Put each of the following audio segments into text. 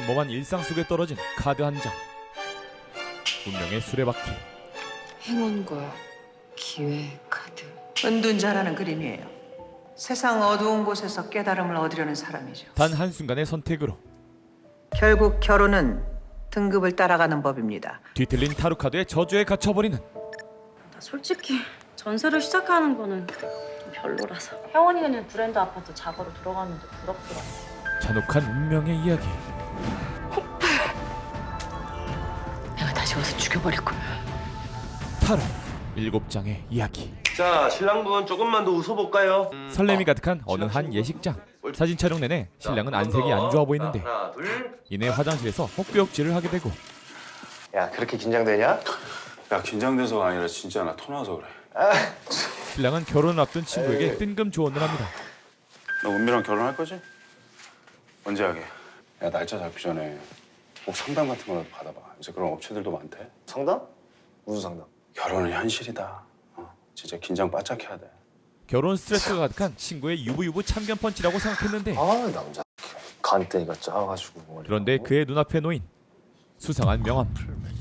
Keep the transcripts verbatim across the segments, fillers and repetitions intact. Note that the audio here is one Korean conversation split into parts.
평범한 일상 속에 떨어진 카드 한 장. 운명의 수레바퀴. 행운과 기회 카드. 은둔자라는 그림이에요. 세상 어두운 곳에서 깨달음을 얻으려는 사람이죠. 단 한순간의 선택으로 결국 결혼은 등급을 따라가는 법입니다. 뒤틀린 타로 카드의 저주에 갇혀버리는 나 솔직히 전세를 시작하는 거는 좀 별로라서. 혜원이는 브랜드 아파트 작업으로 들어갔는데 부럽더라. 잔혹한 운명의 이야기. 내가 다시 와서 죽여버릴 거야. 타로 일곱 장의 이야기. 자, 신랑분 조금만 더 웃어볼까요? 설렘이 가득한 어느 한 예식장. 사진 촬영 내내 신랑은 안색이 안 좋아 보이는데 하나, 둘. 이내 화장실에서 헛구역질을 하게 되고 야, 그렇게 긴장되냐? 야, 긴장돼서가 아니라 진짜 나 토나서 그래. 신랑은 결혼을 앞둔 친구에게 뜬금 조언을 합니다. 너 은미랑 결혼할 거지? 언제 하게? 야, 날짜 잡기 전에 꼭 상담 같은 거라도 받아봐. 이제 그런 업체들도 많대. 상담? 무슨 상담? 결혼은 현실이다. 어, 진짜 긴장 바짝 해야 돼. 결혼 스트레스가 가득한 친구의 유부유부 참견 펀치라고 생각했는데 아, 남자 간땡이가 짜가지고 머리. 그런데 그의 눈앞에 놓인 수상한 명함.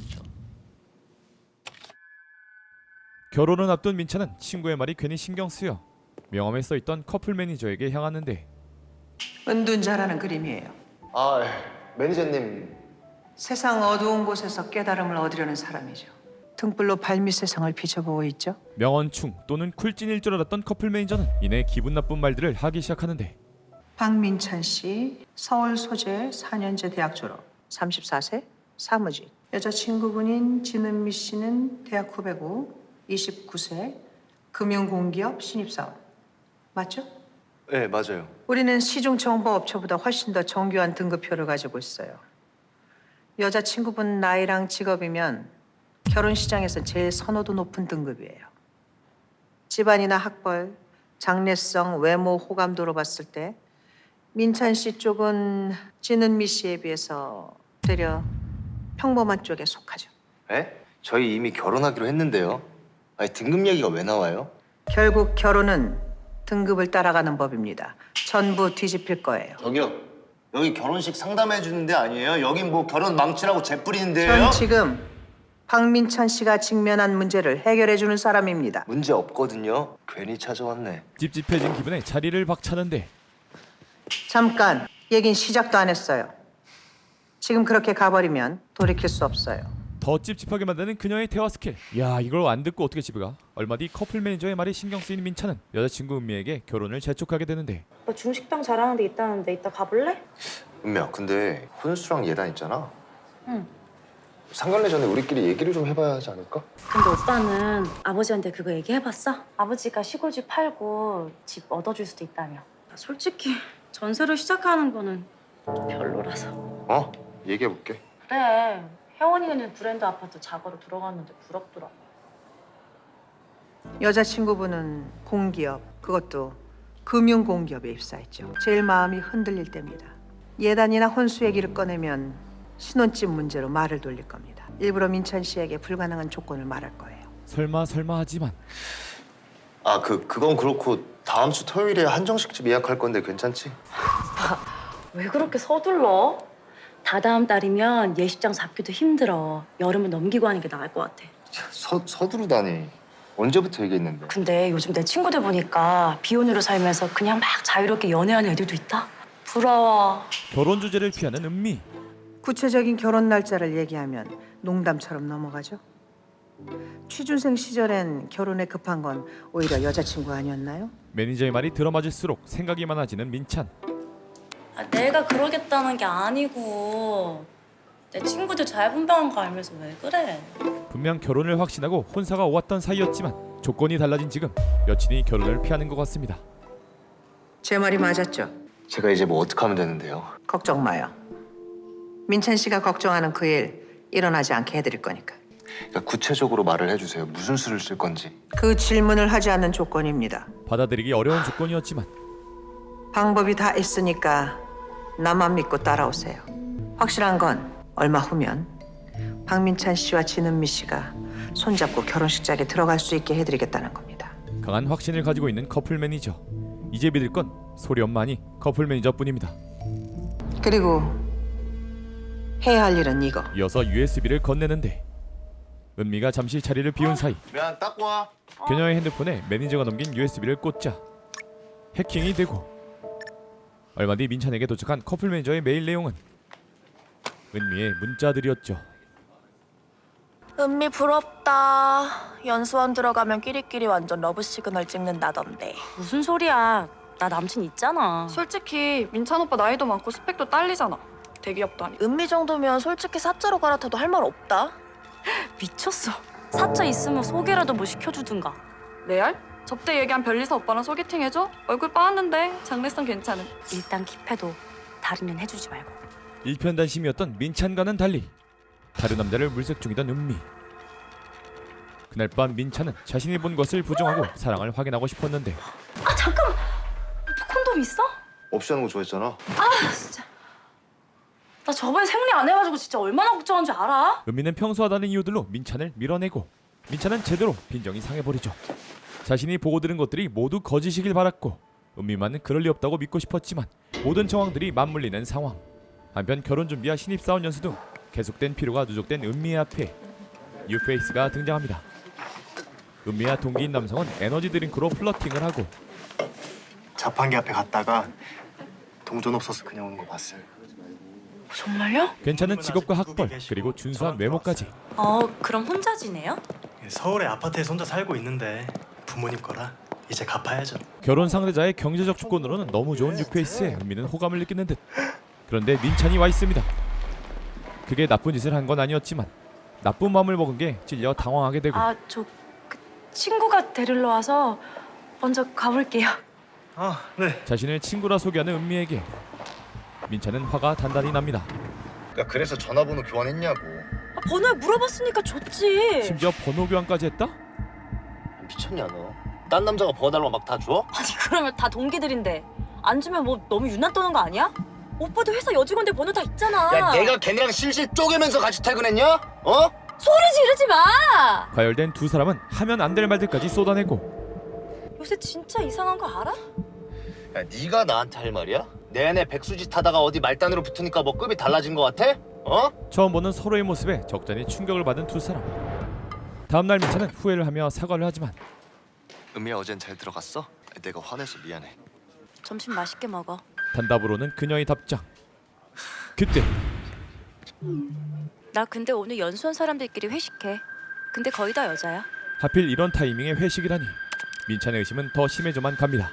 결혼을 앞둔 민찬은 친구의 말이 괜히 신경 쓰여 명함에 써있던 커플 매니저에게 향하는데 은둔자라는 그림이에요. 아, 매니저님. 세상 어두운 곳에서 깨달음을 얻으려는 사람이죠. 등불로 발밑 세상을 비춰보고 있죠. 명언충 또는 쿨찐일 줄 알았던 커플 매니저는 이내 기분 나쁜 말들을 하기 시작하는데 박민찬 씨, 서울 소재 사 년제 대학 졸업, 삼십사 세, 사무직. 여자친구분인 진은미 씨는 대학 후배고 이십구 세, 금융공기업 신입사원. 맞죠? 네, 맞아요. 우리는 시중정보업체보다 훨씬 더 정교한 등급표를 가지고 있어요. 여자친구분 나이랑 직업이면 결혼 시장에서 제일 선호도 높은 등급이에요. 집안이나 학벌, 장래성, 외모, 호감도로 봤을 때 민찬 씨 쪽은 진은미 씨에 비해서 되려 평범한 쪽에 속하죠. 에? 저희 이미 결혼하기로 했는데요. 아니, 등급 얘기가 왜 나와요? 결국 결혼은 등급을 따라가는 법입니다. 전부 뒤집힐 거예요. 저기요. 여기 결혼식 상담해 주는 데 아니에요? 여긴 뭐 결혼 망치라고 재뿌리는 데예요? 전 지금 박민찬 씨가 직면한 문제를 해결해 주는 사람입니다. 문제 없거든요. 괜히 찾아왔네. 찝찝해진 기분에 자리를 박차는데 잠깐, 얘긴 시작도 안 했어요. 지금 그렇게 가버리면 돌이킬 수 없어요. 더 찝찝하게 만드는 그녀의 대화 스킬. 야, 이걸 안 듣고 어떻게 집에 가? 얼마 뒤 커플 매니저의 말이 신경 쓰이는 민찬은 여자친구 은미에게 결혼을 재촉하게 되는데 오빠 중식당 잘하는 데 있다는데 이따 가볼래? 은미야, 근데 혼수랑 예단 있잖아. 응. 상견례 전에 우리끼리 얘기를 좀 해봐야 하지 않을까? 근데 오빠는 아버지한테 그거 얘기해봤어? 아버지가 시골집 팔고 집 얻어줄 수도 있다며. 나 솔직히 전세를 시작하는 거는 좀 별로라서. 어? 얘기해볼게. 그래. 혜원이는 브랜드 아파트 작업으로 들어갔는데 부럽더라. 여자친구분은 공기업, 그것도 금융공기업에 입사했죠. 제일 마음이 흔들릴 때입니다. 예단이나 혼수 얘기를 꺼내면 신혼집 문제로 말을 돌릴 겁니다. 일부러 민찬 씨에게 불가능한 조건을 말할 거예요. 설마 설마 하지만 아, 그, 그건 그렇고 다음 주 토요일에 한정식집 예약할 건데 괜찮지? 왜 그렇게 서둘러? 다다음 달이면 예식장 잡기도 힘들어. 여름은 넘기고 하는 게 나을 것 같아. 서, 서두르다니. 언제부터 얘기했는데? 근데 요즘 내 친구들 보니까 비혼으로 살면서 그냥 막 자유롭게 연애하는 애들도 있다. 부러워. 결혼 주제를 피하는 은미. 구체적인 결혼 날짜를 얘기하면 농담처럼 넘어가죠. 취준생 시절엔 결혼에 급한 건 오히려 여자친구 아니었나요? 매니저의 말이 들어맞을수록 생각이 많아지는 민찬. 아, 내가 그러겠다는 게 아니고 내 친구들 잘 분배한 거 알면서 왜 그래? 분명 결혼을 확신하고 혼사가 오왔던 사이였지만 조건이 달라진 지금 여친이 결혼을 피하는 것 같습니다. 제 말이 맞았죠? 제가 이제 뭐 어떻게 하면 되는데요? 걱정 마요. 민찬 씨가 걱정하는 그 일 일어나지 않게 해드릴 거니까. 그러니까 구체적으로 말을 해주세요. 무슨 수를 쓸 건지. 그 질문을 하지 않는 조건입니다. 받아들이기 어려운 조건이었지만 방법이 다 있으니까 나만 믿고 따라오세요. 확실한 건 얼마 후면 박민찬 씨와 진은미 씨가 손잡고 결혼식장에 들어갈 수 있게 해드리겠다는 겁니다. 강한 확신을 가지고 있는 커플 매니저. 이제 믿을 건 소리 엄마 아니 커플 매니저뿐입니다. 그리고 해야 할 일은 이거. 이어서 유에스비를 건네는데 은미가 잠시 자리를 비운 사이 미안, 딱 와. 그녀의 핸드폰에 매니저가 넘긴 유에스비를 꽂자 해킹이 되고 얼마 뒤 민찬에게 도착한 커플 매니저의 메일 내용은 은미의 문자들이었죠. 은미 부럽다. 연수원 들어가면 끼리끼리 완전 러브 시그널 찍는다던데. 무슨 소리야? 나 남친 있잖아. 솔직히 민찬 오빠 나이도 많고 스펙도 딸리잖아. 대기업도 아니고. 은미 정도면 솔직히 사자로 갈아타도 할 말 없다. 미쳤어. 사자 있으면 소개라도 뭐 시켜주든가. 레알? 접대 얘기한 별리사 오빠랑 소개팅 해줘? 얼굴 빠았는데 장래성 괜찮은. 일단 킵해도 다른 년 해주지 말고. 일편단심이었던 민찬과는 달리 다른 남자를 물색 중이던 은미. 그날 밤 민찬은 자신이 본 것을 부정하고 사랑을 확인하고 싶었는데 아 잠깐만. 콘돔 있어? 없이 하는 거 좋아했잖아. 아 진짜. 나 저번에 생리 안 해가지고 진짜 얼마나 걱정한 줄 알아? 은미는 평소하다는 이유들로 민찬을 밀어내고 민찬은 제대로 빈정이 상해버리죠. 자신이 보고 들은 것들이 모두 거짓이길 바랐고 은미만은 그럴 리 없다고 믿고 싶었지만 모든 정황들이 맞물리는 상황. 한편 결혼 준비와 신입사원 연수 등 계속된 피로가 누적된 은미의 앞에 뉴페이스가 등장합니다. 은미와 동기인 남성은 에너지 드링크로 플러팅을 하고 자판기 앞에 갔다가 동전 없어서 그냥 오는 거 봤어요. 정말요? 괜찮은 직업과 학벌 그리고 준수한 외모까지. 어 그럼 혼자 지내요? 서울의 아파트에서 혼자 살고 있는데 부모님 거라 이제 갚아야죠. 결혼 상대자의 경제적 조건으로는 너무 좋은 뉴페이스에 은미는 호감을 느끼는 듯. 그런데 민찬이 와 있습니다. 그게 나쁜 짓을 한 건 아니었지만 나쁜 마음을 먹은 게 찔려 당황하게 되고 아 저 그 친구가 데리러 와서 먼저 가볼게요. 아, 네. 자신을 친구라 소개하는 은미에게 민찬은 화가 단단히 납니다. 야, 그래서 전화번호 교환했냐고. 아, 번호에 물어봤으니까 줬지. 심지어 번호 교환까지 했다? 미쳤냐 너? 딴 남자가 번호달라고 막 다 줘? 아니 그러면 다 동기들인데 안 주면 뭐 너무 유난 떠는 거 아니야? 오빠도 회사 여직원들 번호 다 있잖아. 야, 내가 걔네랑 실실 쪼개면서 같이 퇴근했냐? 어? 소리 지르지 마. 과열된 두 사람은 하면 안 될 말들까지 쏟아내고 요새 진짜 이상한 거 알아? 야, 네가 나한테 할 말이야? 내내 백수짓 하다가 어디 말단으로 붙으니까 뭐 급이 달라진 거 같아? 어? 처음 보는 서로의 모습에 적잖이 충격을 받은 두 사람. 다음날 민찬은 후회를 하며 사과를 하지만 은미야, 어젠 잘 들어갔어? 내가 화내서 미안해. 점심 맛있게 먹어. 단답으로는 그녀의 답장. 그때 나 근데 오늘 연수원 사람들끼리 회식해. 근데 거의 다 여자야. 하필 이런 타이밍에 회식이라니 민찬의 의심은 더 심해져만 갑니다.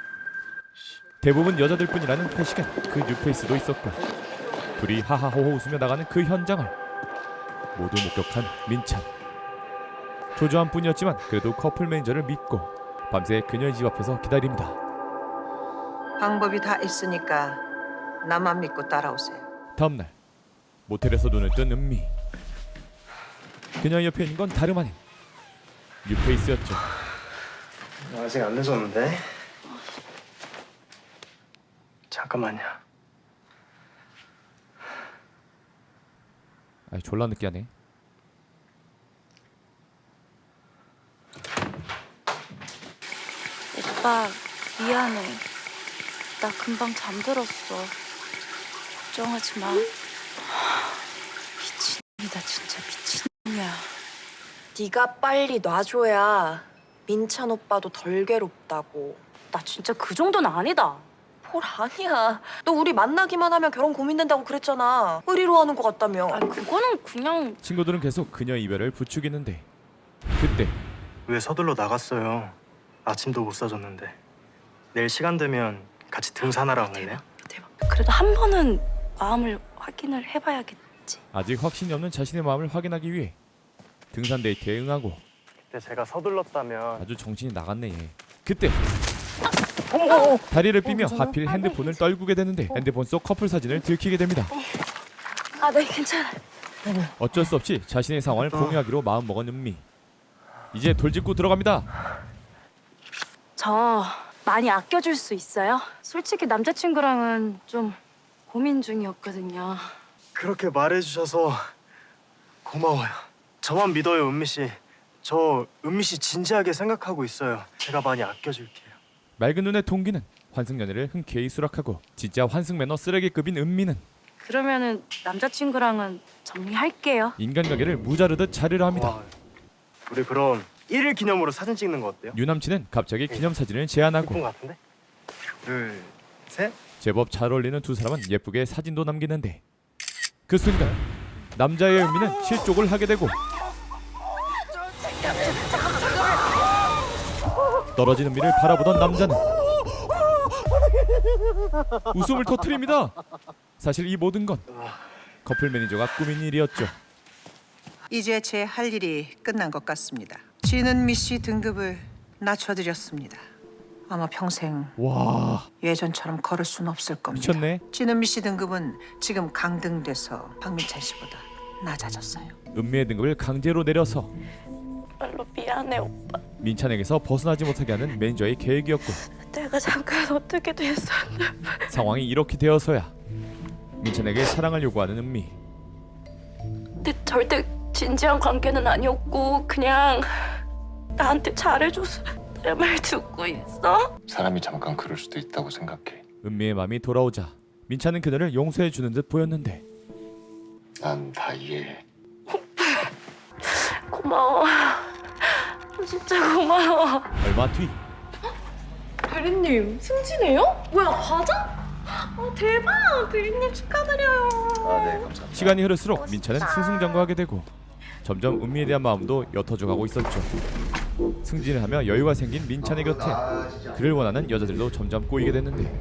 대부분 여자들뿐이라는 회식엔 그 뉴페이스도 있었고 둘이 하하호호 웃으며 나가는 그 현장을 모두 목격한 민찬. 초조한 뿐이었지만 그래도 커플 매니저를 믿고 밤새 그녀의 집 앞에서 기다립니다. 방법이 다 있으니까 나만 믿고 따라오세요. 다음날 모텔에서 눈을 뜬 은미. 그녀의 옆에 있는 건 다름 아닌 뉴페이스였죠. 아직 안 늦었는데. 잠깐만요. 아이 졸라 느끼하네. 오빠 미안해. 나 금방 잠들었어. 걱정하지 마. 미친놈이다 진짜 미친놈이야. 네가 빨리 놔줘야 민찬 오빠도 덜 괴롭다고. 나 진짜 그 정도는 아니다. 뭘 아니야. 너 우리 만나기만 하면 결혼 고민된다고 그랬잖아. 의리로 하는 것 같다며. 아 그거는 그냥 친구들은 계속 그녀의 이별을 부추기는데 그때 왜 서둘러 나갔어요? 아침도 못 사줬는데. 내일 시간 되면 같이 등산하러 안 갈래요? 대박. 그래도 한 번은 마음을 확인을 해봐야겠지. 아직 확신이 없는 자신의 마음을 확인하기 위해 등산 데이트에 응하고 그때 제가 서둘렀다면 아주 정신이 나갔네 얘. 그때 다리를 삐며 하필 핸드폰을 떨구게 되는데 핸드폰 속 커플 사진을 들키게 됩니다. 아 네 괜찮아. 어쩔 수 없이 자신의 상황을 공유하기로 마음먹은 은미. 이제 돌직구 들어갑니다. 저 많이 아껴줄 수 있어요? 솔직히 남자친구랑은 좀 고민 중이었거든요. 그렇게 말해주셔서 고마워요. 저만 믿어요, 은미 씨. 저 은미 씨 진지하게 생각하고 있어요. 제가 많이 아껴줄게요. 맑은 눈의 동기는 환승연애를 흔쾌히 수락하고 진짜 환승 매너 쓰레기급인 은미는 그러면은 남자친구랑은 정리할게요. 인간관계를 무자르듯 자르려 합니다. 와, 우리 그럼 일일 기념으로 사진 찍는 거 어때요? 유남친은 갑자기 기념사진을 예쁜 제안하고 거 같은데? 둘, 셋. 제법 잘 어울리는 두 사람은 예쁘게 사진도 남기는데 그 순간 남자의 은미는 실족을 하게 되고 떨어진 은미를 바라보던 남자는 웃음을 터뜨립니다. 사실 이 모든 건 커플 매니저가 꾸민 일이었죠. 이제 제 할 일이 끝난 것 같습니다. 진은미 씨 등급을 낮춰드렸습니다. 아마 평생 와 예전처럼 걸을 수는 없을 겁니다. 미쳤네. 진은미 씨 등급은 지금 강등돼서 박민찬 씨보다 낮아졌어요. 은미의 등급을 강제로 내려서 정말로 미안해 오빠. 민찬에게서 벗어나지 못하게 하는 매니저의 계획이었고 내가 잠깐 어떻게 됐었나. 상황이 이렇게 되어서야 민찬에게 사랑을 요구하는 은미. 근데 절대 진지한 관계는 아니었고 그냥 나한테 잘해줘서 내 말 듣고 있어? 사람이 잠깐 그럴 수도 있다고 생각해. 은미의 마음이 돌아오자 민찬은 그녀를 용서해 주는 듯 보였는데 난 다 이해해. 고마워. 진짜 고마워. 얼마 뒤 대리님 승진해요? 뭐야 과자? 어, 대박! 대리님 축하드려요. 아, 네, 감사합니다. 시간이 흐를수록 민찬은 승승장구하게 되고 점점 은미에 대한 마음도 옅어져 가고 있었죠. 승진을 하며 여유가 생긴 민찬의 곁에 그를 원하는 여자들도 점점 꼬이게 됐는데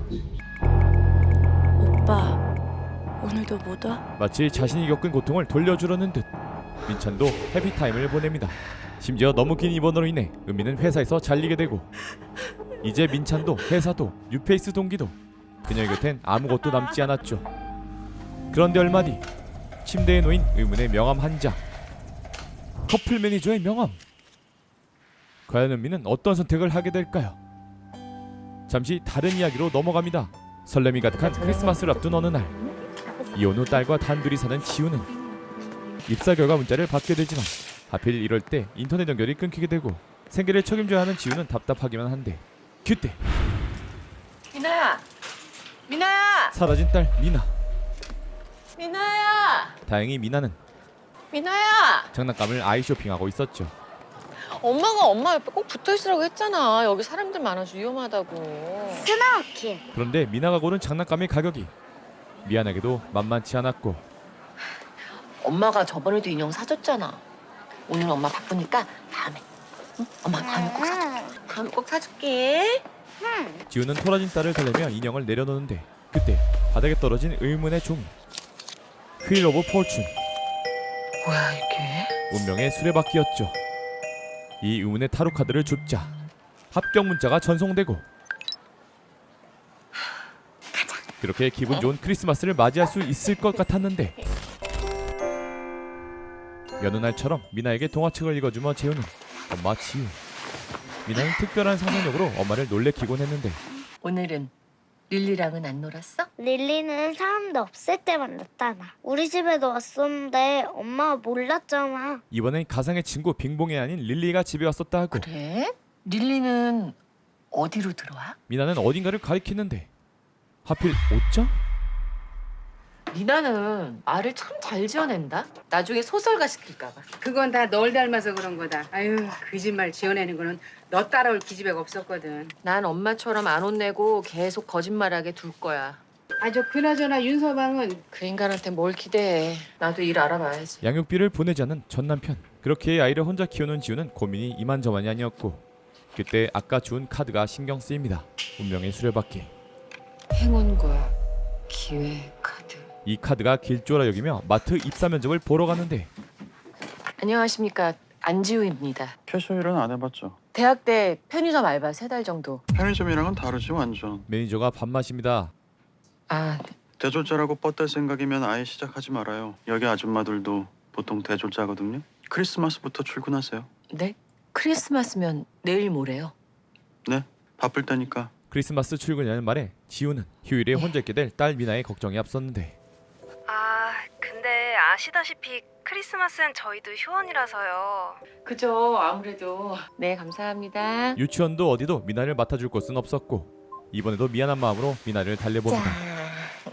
오빠 오늘도 못 와? 마치 자신이 겪은 고통을 돌려주려는 듯 민찬도 해피타임을 보냅니다. 심지어 너무 긴 입원으로 인해 은미는 회사에서 잘리게 되고 이제 민찬도 회사도 뉴페이스 동기도 그녀의 곁엔 아무것도 남지 않았죠. 그런데 얼마 뒤 침대에 놓인 의문의 명함 한 장. 커플 매니저의 명함. 과연 은미는 어떤 선택을 하게 될까요? 잠시 다른 이야기로 넘어갑니다. 설렘이 가득한 크리스마스를 앞둔 어느 날 이혼 후 딸과 단둘이 사는 지우는 입사 결과 문자를 받게 되지만 하필 이럴 때 인터넷 연결이 끊기게 되고 생계를 책임져야 하는 지우는 답답하기만 한데 그때 미나야, 미나야, 사라진 딸 미나. 미나야, 다행히 미나는 미나야. 장난감을 아이 쇼핑하고 있었죠. 엄마가 엄마 옆에 꼭 붙어 있으라고 했잖아. 여기 사람들 많아서 위험하다고. 스나키. 그런데 미나가 고른 장난감의 가격이 미안하게도 만만치 않았고 엄마가 저번에도 인형 사줬잖아. 오늘 엄마 바쁘니까 다음에. 응? 엄마 다음에 꼭 사줄게. 다음에 꼭 사줄게. 지우는 토라진 딸을 달래며 인형을 내려놓는데 그때 바닥에 떨어진 의문의 종이. 휠 오브 포춘. 뭐야 이게? 운명의 수레바퀴였죠. 이 의문의 타로 카드를 줍자 합격 문자가 전송되고 그렇게 기분 좋은 크리스마스를 맞이할 수 있을 것 같았는데 여느 날처럼 미나에게 동화책을 읽어주며 재우는 엄마 지우. 미나는 특별한 상상력으로 엄마를 놀래키곤 했는데 오늘은 릴리랑은 안 놀았어? 릴리는 사람들 없을 때만 나타나. 우리 집에도 왔었는데 엄마가 몰랐잖아. 이번엔 가상의 친구 빙봉이 아닌 릴리가 집에 왔었다 하고 그래? 릴리는 어디로 들어와? 미나는 어딘가를 가리키는데 하필 옷장? 미나는 말을 참 잘 지어낸다. 나중에 소설가 시킬까 봐. 그건 다 널 닮아서 그런 거다. 아유, 거짓말 지어내는 거는 너 따라올 기집애가 없었거든. 난 엄마처럼 안 혼내고 계속 거짓말하게 둘 거야. 아, 저 그나저나 윤서방은 그 인간한테 뭘 기대해. 나도 일 알아봐야지. 양육비를 보내지 않은 전 남편. 그렇게 아이를 혼자 키우는 지우는 고민이 이만저만이 아니었고 그때 아까 준 카드가 신경 쓰입니다. 운명의 수레바퀴. 행운과 기회 카드. 이 카드가 길조라 여기며 마트 입사 면접을 보러 갔는데 안녕하십니까. 안지우입니다. 캐셔일은 안 해봤죠. 대학 때 편의점 알바 세 달 정도. 편의점이랑은 다르지 완전. 매니저가 밥맛입니다. 아, 대졸자라고 뻗댈 생각이면 아예 시작하지 말아요. 여기 아줌마들도 보통 대졸자거든요. 크리스마스부터 출근하세요. 네? 크리스마스면 내일 모레요. 네, 바쁠 때니까. 크리스마스 출근이라는 말에 지우는 휴일에 혼자 있게 될 딸 미나의 걱정이 앞섰는데 아 근데 아시다시피 크리스마스엔 저희도 휴원이라서요. 그죠. 아무래도. 네, 감사합니다. 유치원도 어디도 미나를 맡아줄 곳은 없었고 이번에도 미안한 마음으로 미나를 달래봅니다.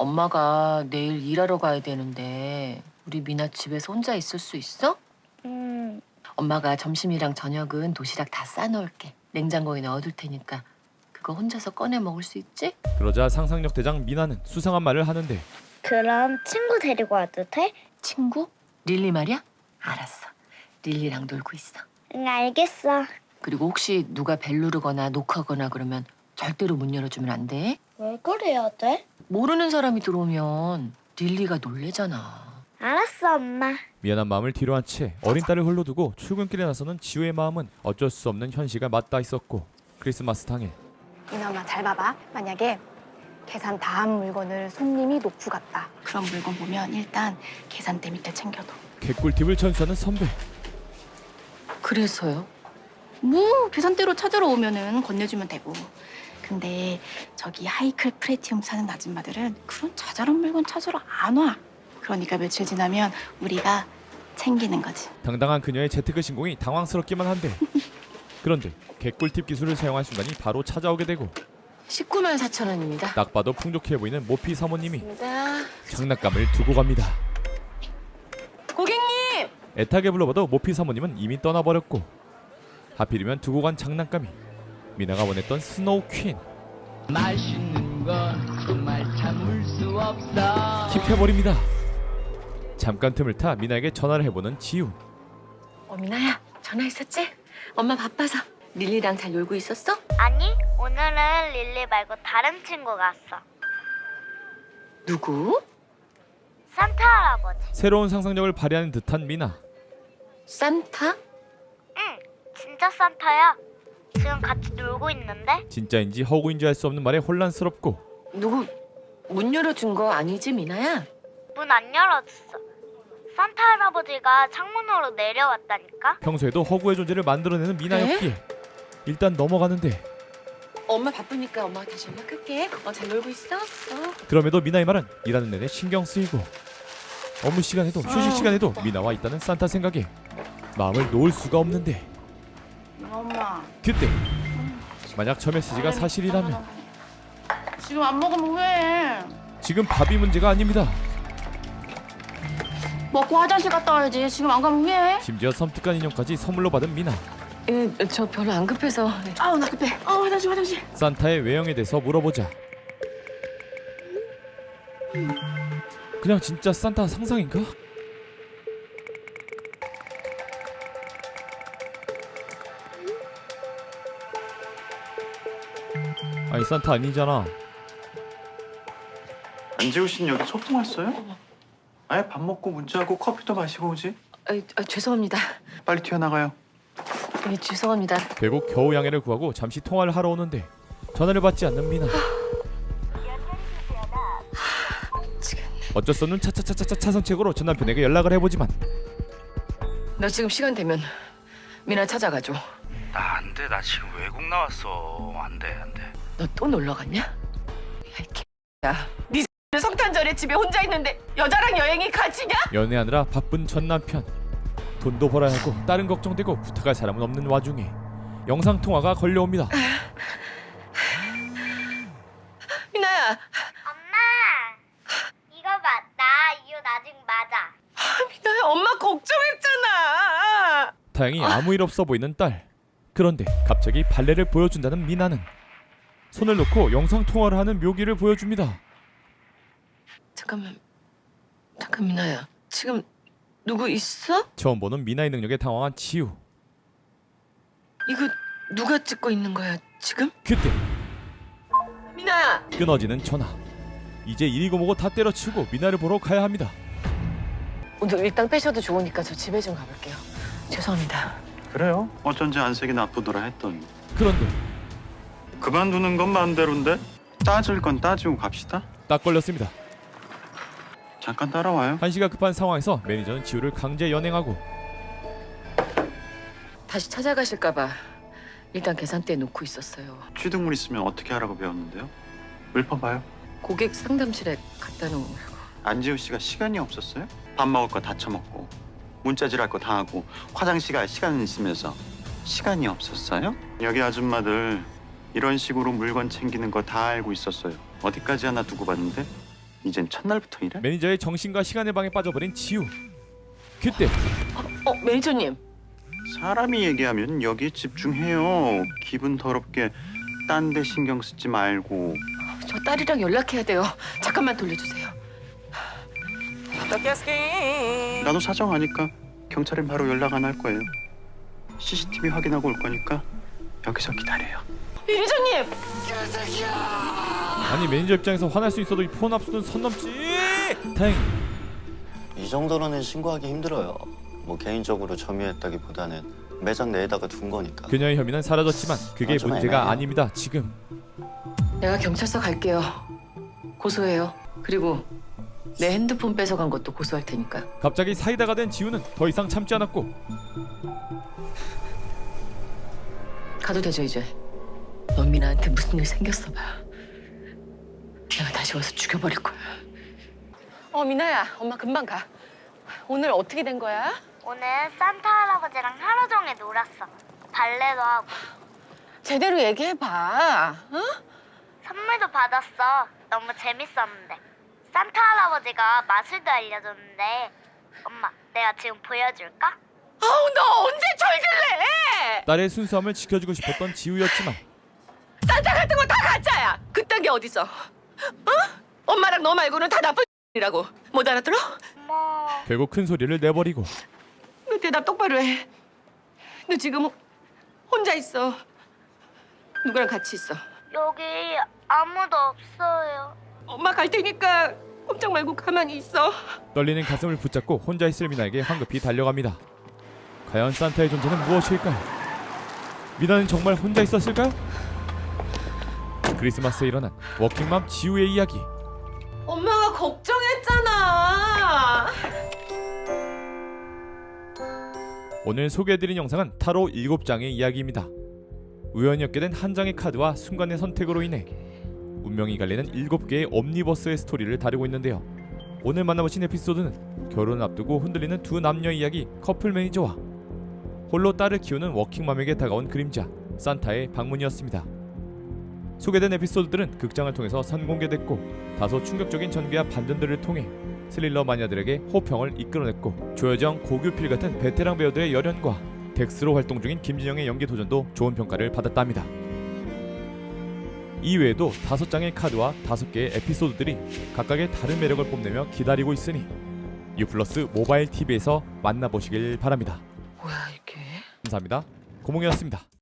엄마가 내일 일하러 가야 되는데 우리 미나 집에서 혼자 있을 수 있어? 음, 엄마가 점심이랑 저녁은 도시락 다 싸놓을게. 냉장고에 넣어둘 테니까 그거 혼자서 꺼내 먹을 수 있지? 그러자 상상력 대장 미나는 수상한 말을 하는데 그럼 친구 데리고 와도 돼? 친구? 릴리 말이야? 알았어. 릴리랑 놀고 있어. 응, 알겠어. 그리고 혹시 누가 벨 누르거나 녹하거나 그러면 절대로 문 열어주면 안 돼. 왜 그래야 돼? 모르는 사람이 들어오면 릴리가 놀래잖아. 알았어, 엄마. 미안한 마음을 뒤로 한 채 어린 딸을 홀로두고 출근길에 나서는 지우의 마음은 어쩔 수 없는 현실과 맞닿아 있었고 크리스마스 당일 미나 엄마 잘 봐봐. 만약에 계산 다 한 물건을 손님이 놓고 갔다. 그런 물건 보면 일단 계산대 밑에 챙겨둬. 개꿀팁을 전수하는 선배. 그래서요? 뭐 계산대로 찾으러 오면은 건네주면 되고. 근데 저기 하이클 프레티움 사는 아줌마들은 그런 자잘한 물건 찾으러 안 와. 그러니까 며칠 지나면 우리가 챙기는 거지. 당당한 그녀의 재테크 신공이 당황스럽기만 한데 그런데 개꿀팁 기술을 사용할 순간이 바로 찾아오게 되고 십구만 사천 원입니다. 딱 봐도 풍족해 보이는 모피 사모님이 입니다. 장난감을 두고 갑니다. 고객님! 애타게 불러봐도 모피 사모님은 이미 떠나버렸고 하필이면 두고 간 장난감이 미나가 원했던 스노우 퀸. 맛있는 건 정말 참을 수 없어. 킵해버립니다. 잠깐 틈을 타 미나에게 전화를 해보는 지우. 어, 미나야. 전화했었지? 엄마 바빠서. 릴리랑 잘 놀고 있었어? 아니, 오늘은 릴리 말고 다른 친구가 왔어. 누구? 산타 할아버지. 새로운 상상력을 발휘하는 듯한 미나. 산타? 응, 진짜 산타야. 지금 같이 놀고 있는데? 진짜인지 허구인지 알 수 없는 말에 혼란스럽고 누구 문 열어준 거 아니지, 미나야? 문 안 열어줬어. 산타 할아버지가 창문으로 내려왔다니까? 평소에도 허구의 존재를 만들어내는 미나였기에 일단 넘어가는데 엄마 바쁘니까 엄마가 다시 연락할게. 어, 잘 놀고 있어? 어. 그럼에도 미나의 말은 일하는 내내 신경 쓰이고 업무 시간에도 휴식 시간에도 미나와 있다는 산타 생각에 마음을 놓을 수가 없는데 엄마. 그때 만약 저 메시지가 사실이라면 지금 안 먹으면 후회해. 지금 밥이 문제가 아닙니다. 먹고 화장실 갔다 와야지. 지금 안 가면 후회해. 심지어 섬뜩한 인형까지 선물로 받은 미나. 예, 저 별로 안 급해서. 아우 나 급해. 아 화장실 화장실. 산타의 외형에 대해서 물어보자 그냥 진짜 산타 상상인가? 아니 산타 아니잖아. 안지우 씨는 여기 소풍 왔어요? 아예 밥 먹고 문자하고 커피도 마시고 오지. 아, 아, 죄송합니다. 빨리 튀어나가요. 예, 죄송합니다. 결국 겨우 양해를 구하고 잠시 통화를 하러 오는데 전화를 받지 않는 미나. 어쩔 수 없는 차차차차차 차선책으로 전 남편에게 연락을 해보지만 너 지금 시간 되면 미나 찾아가줘. 나 안 돼. 나 지금 외국 나왔어. 안 돼, 안 돼. 너 또 놀러 갔냐? 야, 이 개야. 네 성탄절에 집에 혼자 있는데 여자랑 여행이 같이냐? 연애하느라 바쁜 전 남편. 돈도 벌어야 하고 다른 걱정되고 부탁할 사람은 없는 와중에 영상통화가 걸려옵니다. 미나야. 엄마, 이거 봐. 나 이 옷 아직 맞아. 미나야, 엄마 걱정했잖아. 다행히 아무 일 없어 보이는 딸. 그런데 갑자기 발레를 보여준다는 미나는 손을 놓고 영상통화를 하는 묘기를 보여줍니다. 잠깐만. 잠깐 미나야. 지금 누구 있어? 처음 보는 미나의 능력에 당황한 지우. 이거 누가 찍고 있는 거야 지금? 그때 미나야. 끊어지는 전화. 이제 일이고 뭐고 다 때려치우고 미나를 보러 가야 합니다. 오늘 일당 빼셔도 좋으니까 저 집에 좀 가볼게요. 죄송합니다. 그래요? 어쩐지 안색이 나쁘더라 했더니. 그런데 그만두는 건 마음대로인데 따질 건 따지고 갑시다. 딱 걸렸습니다. 잠깐 따라와요. 한시가 급한 상황에서 매니저는 지우를 강제 연행하고 다시 찾아가실까 봐 일단 계산대에 놓고 있었어요. 취득물 있으면 어떻게 하라고 배웠는데요? 물품 봐요. 고객 상담실에 갖다 놓으려고. 안지우 씨가 시간이 없었어요? 밥 먹을 거 다 처먹고 문자질할 거 다 하고 화장실 갈 시간 있으면서 시간이 없었어요? 여기 아줌마들 이런 식으로 물건 챙기는 거 다 알고 있었어요. 어디까지 하나 두고 봤는데 이젠 첫날부터 이래? 매니저의 정신과 시간의 방에 빠져버린 지우. 그때 어, 매니저님. 사람이 얘기하면 여기에 집중해요. 기분 더럽게 딴 데 신경 쓰지 말고. 저 딸이랑 연락해야 돼요. 잠깐만 돌려주세요. 나도 사정 아니까 경찰엔 바로 연락 안 할 거예요. 씨씨티비 확인하고 올 거니까 여기서 기다려요. 매니저님! 아니 매니저 입장에서 화날 수 있어도 이 폰 압수는 선 넘지. 다행. 이 정도로는 신고하기 힘들어요. 뭐 개인적으로 점유했다기보다는 매장 내에다가 둔 거니까. 그녀의 혐의는 사라졌지만 그게 아, 좀 문제가 애매해요. 아닙니다. 지금 내가 경찰서 갈게요. 고소해요. 그리고 내 핸드폰 뺏어간 것도 고소할 테니까. 갑자기 사이다가 된 지우는 더 이상 참지 않았고 가도 되죠 이제. 넌 미나한테 무슨 일 생겼어 봐. 내가 다시 와서 죽여버릴 거야. 어 미나야, 엄마 금방 가. 오늘 어떻게 된 거야? 오늘 산타 할아버지랑 하루 종일 놀았어. 발레도 하고 제대로 얘기해봐. 어? 선물도 받았어. 너무 재밌었는데. 산타 할아버지가 마술도 알려줬는데 엄마, 내가 지금 보여줄까? 아우 너 언제 철들래? 딸의 순수함을 지켜주고 싶었던 지우였지만 산타 같은 거 다 가짜야. 그딴 게 어딨어? 어? 엄마랑 너 말고는 다 나쁜 이라고. 못 알아들어? 엄마. 결국 큰 소리를 내버리고 너 대답 똑바로 해. 너 지금 혼자 있어. 누구랑 같이 있어? 여기 아무도 없어요. 엄마 갈 테니까 꼼짝 말고 가만히 있어. 떨리는 가슴을 붙잡고 혼자 있을 미나에게 황급히 달려갑니다. 과연 산타의 존재는 무엇일까요? 미나는 정말 혼자 있었을까요? 크리스마스에 일어난 워킹맘 지우의 이야기. 엄마가 걱정했잖아. 오늘 소개해드린 영상은 타로 일곱 장의 이야기입니다. 우연히 얻게 된 한 장의 카드와 순간의 선택으로 인해 운명이 갈리는 일곱 개의 옴니버스의 스토리를 다루고 있는데요. 오늘 만나보신 에피소드는 결혼을 앞두고 흔들리는 두 남녀의 이야기 커플 매니저와 홀로 딸을 키우는 워킹맘에게 다가온 그림자 산타의 방문이었습니다. 소개된 에피소드들은 극장을 통해서 선공개됐고 다소 충격적인 전개와 반전들을 통해 스릴러 마니아들에게 호평을 이끌어냈고 조여정, 고규필 같은 베테랑 배우들의 열연과 덱스로 활동 중인 김진영의 연기 도전도 좋은 평가를 받았답니다. 이외에도 다섯 장의 카드와 다섯 개의 에피소드들이 각각의 다른 매력을 뽐내며 기다리고 있으니 유플러스 모바일 티비에서 만나보시길 바랍니다. 뭐야 이게? 감사합니다. 고몽이었습니다.